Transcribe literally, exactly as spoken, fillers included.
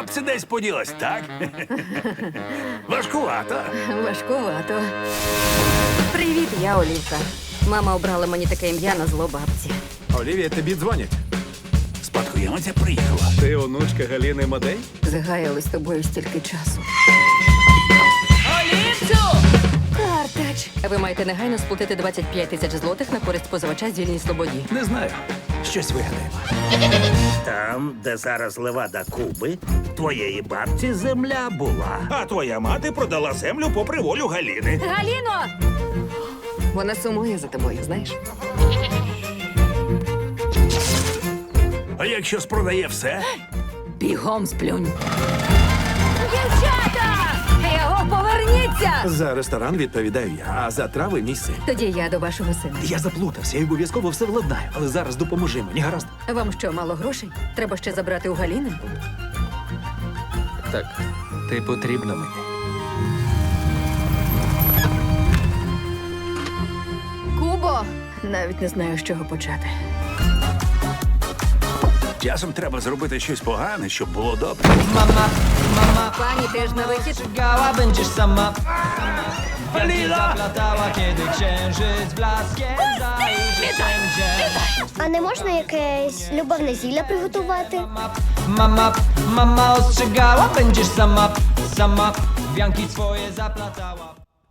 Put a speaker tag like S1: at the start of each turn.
S1: бабця десь поділась, так? Важкувато.
S2: Важкувато. Привіт, я Олівка. Мама обрала мені таке ім'я на зло бабці.
S3: Олівія, тобі дзвонять.
S1: Спадкоємиця приїхала.
S3: Ти онучка Галіни Мадей?
S2: Загаяли з тобою стільки часу. Картач! Ви маєте негайно сплатити двадцять п'ять тисяч злотих на користь позивача з вільній свободі.
S1: Не знаю. Щось вигадаємо.
S4: Там, де зараз левада Куби, твоєї бабці земля була.
S5: А твоя мати продала землю попри волю Галіни.
S2: Галіно! Вона сумує за тобою, знаєш?
S1: А якщо спродає все?
S2: Бігом сплюнь. Дівчата! Його поверніться!
S3: За ресторан відповідаю я, а за трави мій син.
S2: Тоді я до вашого сина.
S3: Я заплутався і обов'язково все владнаю, але зараз допоможи мені, гаразд?
S2: Вам що, мало грошей? Треба ще забрати у Галіни?
S3: Так, ти потрібна мені.
S2: Кубо! Навіть не знаю, з чого почати.
S1: Часом треба зробити щось погане, щоб було добре.
S6: Mama, mama,
S2: Пані теж на вихід.
S6: czekała, będziesz sama.
S1: Галіна!
S6: Zaplatała, kiedy księżyc blaskiem zajrzy wszędzie.
S7: А не можна якесь любовне зілля приготувати?
S6: Mama, mama ostrzegała, będziesz sama, sama. Wianki swoje zaplatała.